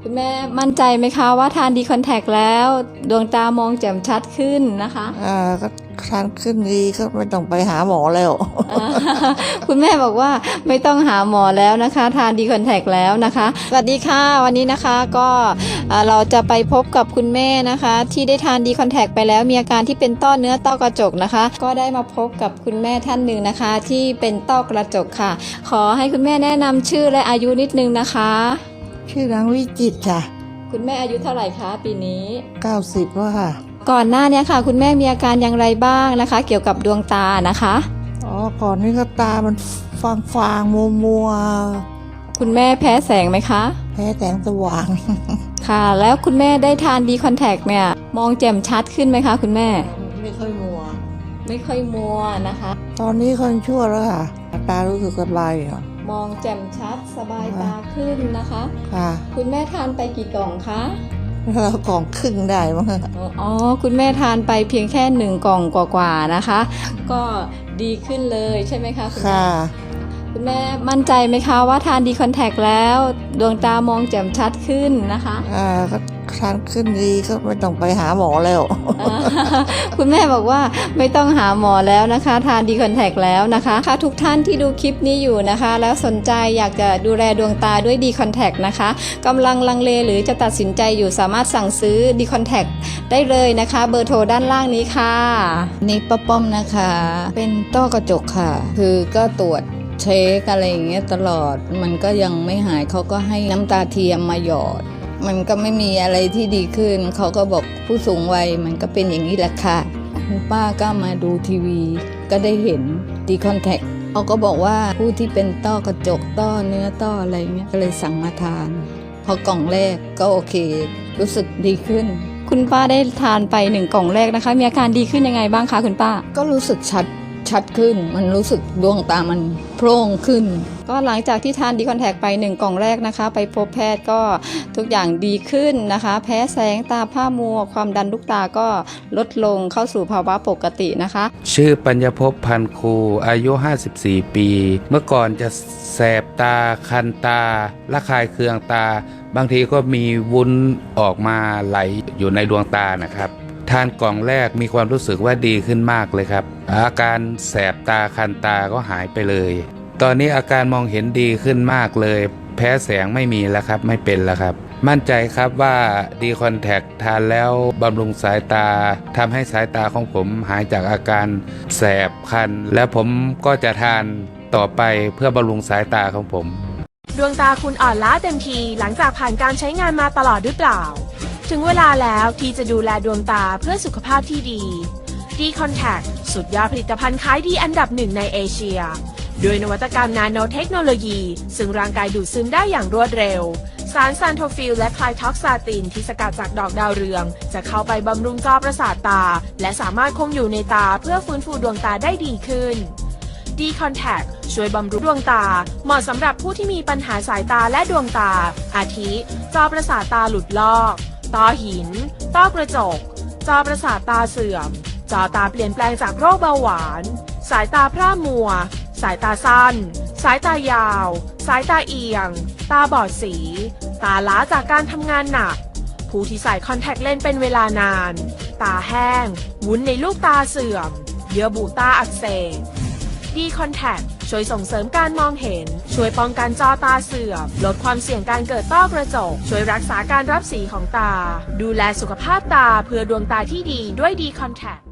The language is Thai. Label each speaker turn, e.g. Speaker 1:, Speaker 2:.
Speaker 1: คุณแม่มั่นใจไหมคะว่าทานดีคอนแทคแล้วดวงตามองแจ่มชัดขึ้นนะคะ
Speaker 2: ก็ทานขึ้นดีก็ไม่ต้องไปหาหมอแล้ว
Speaker 1: คุณแม่บอกว่าไม่ต้องหาหมอแล้วนะคะทานดีคอนแทคแล้วนะคะสวัสดีค่ะวันนี้นะคะก็เราจะไปพบกับคุณแม่นะคะที่ได้ทานดีคอนแทคไปแล้วมีอาการที่เป็นต้อเนื้อต้อกระจกนะคะก็ได้มาพบกับคุณแม่ท่านหนึ่งนะคะที่เป็นต้อกระจกค่ะขอให้คุณแม่แนะนำชื่อและอายุนิดนึงนะคะ
Speaker 2: ชื่อนางวิจิตรค่ะ
Speaker 1: คุณแม่อายุเท่าไหร่คะปีนี้
Speaker 2: 90แล้วค่ะ
Speaker 1: ก่อนหน้านี้ค่ะคุณแม่มีอาการอย่างไรบ้างนะคะเกี่ยวกับดวงตานะคะ
Speaker 2: ก่อนนี้ก็ตามันฟางมัว
Speaker 1: คุณแม่แพ้แสงไหมคะ
Speaker 2: แพ้แสงสว่าง
Speaker 1: ค่ะแล้วคุณแม่ได้ทานดีคอนแทคเนี่ยมองแจ่มชัดขึ้นไหมคะคุณแม่
Speaker 2: ไม่ค่อยมัว
Speaker 1: นะคะ
Speaker 2: ตอนนี้คนชั่วแล้วค่ะตารู้สึกสบายอ่ะ
Speaker 1: มองแจ่มชัดสบายตาขึ้นนะคะ
Speaker 2: ค่ะ
Speaker 1: คุณแม่ทานไปกี่กล่องคะ
Speaker 2: แล้วกล่องครึ่งได้มั้ง
Speaker 1: อ๋อคุณแม่ทานไปเพียงแค่1 กล่องกว่าๆนะคะก็ดีขึ้นเลยใช่ไหมคะคุณแม่คุณแม่มั่นใจไหมคะว่าทานดีคอนแทคแล้วดวงตามองแจ่มชัดขึ้นนะคะ
Speaker 2: ก็ทานขึ้นดีก็ไม่ต้องไปหาหมอแล้ว
Speaker 1: คุณแม่บอกว่าไม่ต้องหาหมอแล้วนะคะทานดีคอนแทคแล้วนะคะค่ะทุกท่านที่ดูคลิปนี้อยู่นะคะแล้วสนใจอยากจะดูแลดวงตาด้วยดีคอนแทคนะคะกำลังลังเลหรือจะตัดสินใจอยู่สามารถสั่งซื้อดีคอนแทคได้เลยนะคะเบอร์โทรด้านล่างนี้ค่ะ
Speaker 3: นี่ป้าป้อมนะคะเป็นต้อกระจกค่ะคือก็ตรวจเช็คอะไรอย่างเงี้ยตลอดมันก็ยังไม่หายเขาก็ให้น้ำตาเทียมมาหยอดมันก็ไม่มีอะไรที่ดีขึ้นเขาก็บอกผู้สูงวัยมันก็เป็นอย่างนี้แหละค่ะคุณป้าก็มาดูทีวีก็ได้เห็นดีคอนแทคเขาก็บอกว่าผู้ที่เป็นต้อกระจกต้อเนื้อต้ออะไรเงี้ยก็เลยสั่งมาทานพอกล่องแรกก็โอเครู้สึกดีขึ้น
Speaker 1: คุณป้าได้ทานไป1 กล่องแรกนะคะมีอาการดีขึ้นยังไงบ้างคะคุณป้า
Speaker 3: ก็รู้สึกชัดขึ้นมันรู้สึกดวงตามันโพร่งขึ้น
Speaker 1: ก็หลังจากที่ทานดีคอนแทคไป1 กล่องแรกนะคะไปพบแพทย์ก็ทุกอย่างดีขึ้นนะคะแพ้แสงตาผ้ามัวความดันลูกตาก็ลดลงเข้าสู่ภาวะปกตินะคะ
Speaker 4: ชื่อปัญญภพพันครูอายุ54 ปีเมื่อก่อนจะแสบตาคันตาระคายเคืองตาบางทีก็มีวุ้นออกมาไหลอยู่ในดวงตานะครับทานกล่องแรกมีความรู้สึกว่าดีขึ้นมากเลยครับอาการแสบตาคันตาก็หายไปเลยตอนนี้อาการมองเห็นดีขึ้นมากเลยแพ้แสงไม่มีแล้วครับไม่เป็นแล้วครับมั่นใจครับว่าดีคอนแทคทานแล้วบำรุงสายตาทำให้สายตาของผมหายจากอาการแสบคันและผมก็จะทานต่อไปเพื่อบำรุงสายตาของผม
Speaker 5: ดวงตาคุณอ่อนล้าเต็มทีหลังจากผ่านการใช้งานมาตลอดหรือเปล่าถึงเวลาแล้วที่จะดูแลดวงตาเพื่อสุขภาพที่ดีดีคอนแทคสุดยอดผลิตภัณฑ์ขายดีอันดับ1ในเอเชียด้วยนวัตกรรมนาโนเทคโนโลยีซึ่งร่างกายดูดซึมได้อย่างรวดเร็วสารซานโทฟิลและไคลท็อกซาตินที่สกัดจากดอกดาวเรืองจะเข้าไปบำรุงจอประสาทตาและสามารถคงอยู่ในตาเพื่อฟื้นฟูดวงตาได้ดีขึ้นดีคอนแทคช่วยบำรุงดวงตาเหมาะสำหรับผู้ที่มีปัญหาสายตาและดวงตาอาทิจอประสาทตาหลุดลอกต้อหินต้อกระจกจอประสาทตาเสื่อมจอตาเปลี่ยนแปลงจากโรคเบาหวานสายตาพร่ามัวสายตาสั้นสายตายาวสายตาเอียงตาบอดสีตาล้าจากการทำงานหนักผู้ที่ใส่คอนแทคเลนส์เป็นเวลานานตาแห้งวุ้นในลูกตาเสื่อมเยื่อบุตาอักเสบดีคอนแทคช่วยส่งเสริมการมองเห็นช่วยป้องกันจอตาเสื่อมลดความเสี่ยงการเกิดต้อกระจกช่วยรักษาการรับสีของตาดูแลสุขภาพตาเพื่อดวงตาที่ดีด้วยดีคอนแทค